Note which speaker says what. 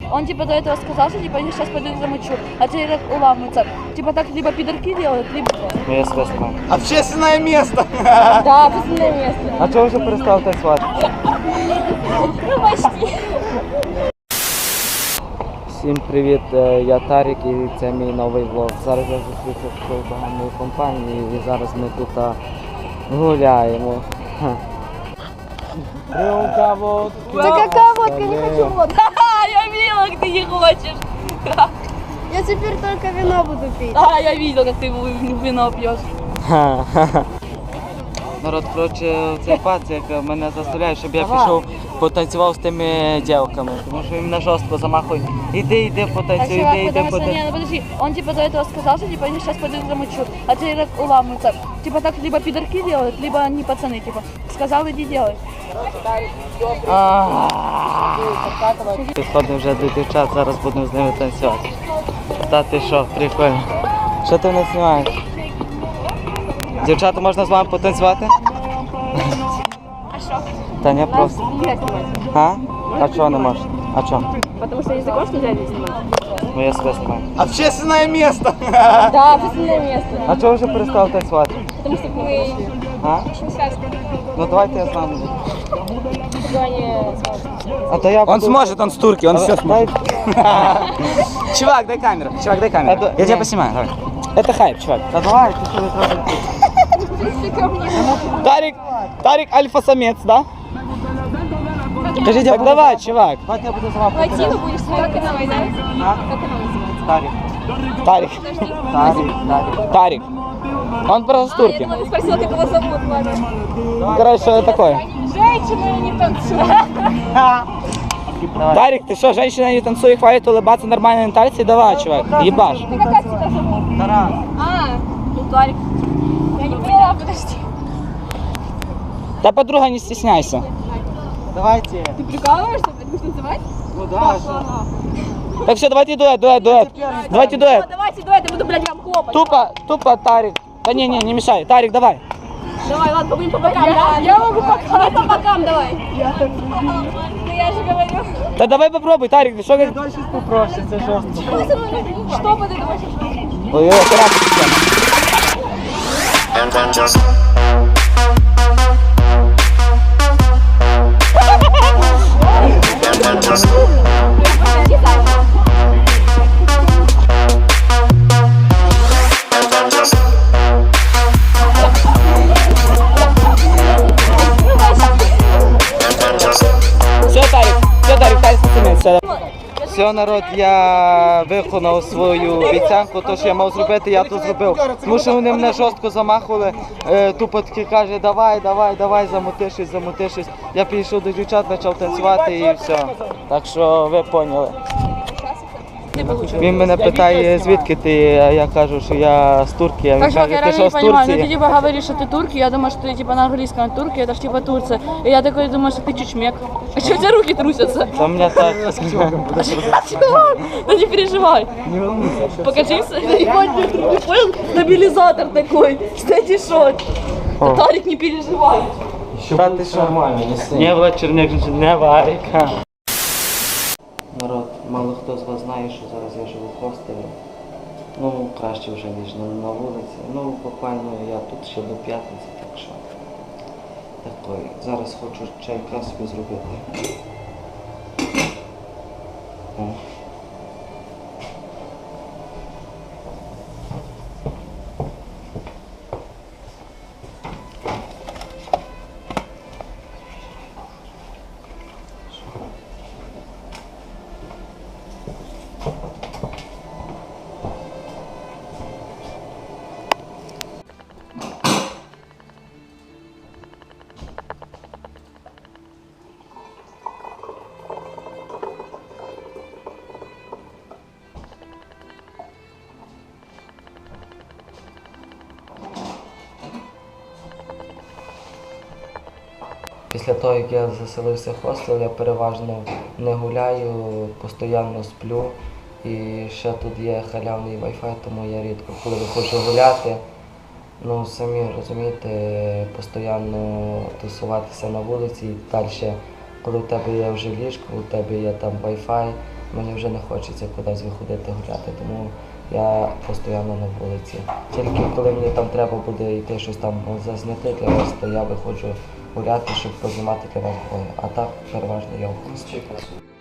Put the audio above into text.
Speaker 1: Он типа до этого сказал, что типа они сейчас пойдут замочу, а теперь так уламываются. Типа так либо пидорки делают, либо...
Speaker 2: Ну я себе знаю.
Speaker 3: Общественное место!
Speaker 1: Да, общественное место.
Speaker 2: А чого вже перестав танцювати?
Speaker 1: Ну почти.
Speaker 2: Всім привіт, я Тарік і це мій новий влог. Зараз я зустрівся з такою багатою компанією і зараз ми тут гуляємо. Рюмка водки.
Speaker 1: Да какая водка, не хочу водку. Я видела, как ты не хочешь.
Speaker 4: Я теперь только вино буду пить.
Speaker 1: Да, я видела, как ты вино пьешь.
Speaker 2: Народ, коротше, цей пацик мене заставляє, щоб я пішов потанцював з тими дівками, тому що він мене жорстко замахує. Іди, потанцюй, іди, потанцюй.
Speaker 1: Не, ну подожди, он типа до этого сказал, что типа они сейчас пойдут замочу, а теперь так уламываются. Типа так либо пидорки делают, либо они пацаны, типа. Сказал, иди делай.
Speaker 2: Підходимо вже до дівчат, зараз будемо з ними танцювати. Та ти що, прикольно. Що ти не знімаєш? Дівчата, можна з вами потанцювати?
Speaker 1: А что?
Speaker 2: Та ні, просто. А? А чого не можеш? А чого?
Speaker 1: Потому что если хочешь, нельзя здесь снимать.
Speaker 2: Ну я себе знімаю.
Speaker 3: Общественное место!
Speaker 1: Да, общественное место.
Speaker 2: А чого вже перестав танцювати?
Speaker 1: Потому что мы
Speaker 2: А?
Speaker 1: очень связаны.
Speaker 2: Ну давайте я з вами.
Speaker 1: Сегодня
Speaker 2: А то я
Speaker 3: Он сможет, он с турки, он все сможет. Чувак, дай камеру. Чувак, дай камеру. Я тебя поснимаю, давай. Это хайп, чувак.
Speaker 2: Та давай, ти що не треба.
Speaker 3: Тарик альфа-самец, да? Скажи, так давай, чувак.
Speaker 2: Давайте я буду з вами.
Speaker 1: Войти будешь смотреть, как она называется?
Speaker 2: А?
Speaker 1: Как она называется?
Speaker 2: Тарік.
Speaker 3: Тарик.
Speaker 2: Тарік.
Speaker 3: Тарик. Он просто с
Speaker 1: Я
Speaker 3: турки.
Speaker 1: думала, ты спросила, как его зовут, ладно.
Speaker 3: Короче, что это такое?
Speaker 1: Женщина не танцует.
Speaker 2: Давай.
Speaker 3: Тарик, ты что, женщина не танцует, хватит улыбаться, нормально на танцы? Давай, чувак, ебашь.
Speaker 1: Ты как тебя зовут?
Speaker 2: Тарас.
Speaker 1: А, ну Тарик. Я не поняла, подожди.
Speaker 3: Да, подруга, не стесняйся.
Speaker 2: Давайте.
Speaker 1: Ты прикалываешься? Ты будешь танцевать?
Speaker 2: Ну да,
Speaker 3: Так все, давайте дуэт. Давайте дуэт.
Speaker 1: Давайте дуэт, я буду, блядь, вам хлопать.
Speaker 3: Тупо, Тарик. Да не мешай. Тарик, давай.
Speaker 1: Давай, ладно, будем по бокам, да? Я могу по бокам. По бокам давай. Ну я же говорю.
Speaker 3: Да давай попробуй, Тарик, ты что говоришь?
Speaker 2: Дальше попроще, це жорстко.
Speaker 1: Что бы ты думаешь?
Speaker 3: Ой, Все, Тарик, все.
Speaker 2: Все, народ, я виконав свою обіцянку, то, що я мав зробити, я то зробив. Тому що вони мене жорстко замахували, тупо таки каже, давай, замути щось. Я підійшов до дівчат, почав танцювати і все. Так що ви поняли. Він мене питає, звідки ти, а я кажу, що я з Турки, а він
Speaker 1: Так, чувак,
Speaker 2: каже,
Speaker 1: я
Speaker 2: ти
Speaker 1: реально
Speaker 2: що
Speaker 1: не
Speaker 2: з
Speaker 1: понимаю, ну ты
Speaker 2: Турції?
Speaker 1: типа говоришь, что ты турки, я думаю, что ты типа на английском турки, это ж типа Турция. И я такой думаю, что ты чучмек. А что у тебя руки трусятся?
Speaker 2: Та мене так.
Speaker 1: Чувак, ну не переживай.
Speaker 2: Не волнуйся.
Speaker 1: Покажись, не понял? Стабилизатор такой, кстати, шот. Тарик, не переживай.
Speaker 2: Та ти що? Не вечірник, не варіка. Народ, мало хто з вас знає, що зараз я живу в хостелі. Ну, краще вже, ніж на вулиці. Ну, буквально я тут ще до п'ятниці, так що. Такий. Зараз хочу чайка собі зробити. О. Після того, як я заселився в хостел, я переважно не гуляю, постійно сплю. І ще тут є халявний Wi-Fi, тому я рідко коли виходжу гуляти. Ну, самі розумієте, постійно тусуватися на вулиці і далі, коли в тебе є вже ліжко, у тебе є там Wi-Fi, мені вже не хочеться кудись виходити гуляти, тому я постійно на вулиці. Тільки коли мені там треба буде йти щось там зазняти для вас, то я виходжу гуляти, щоб познімати для вас блоги. А так переважно я в хості.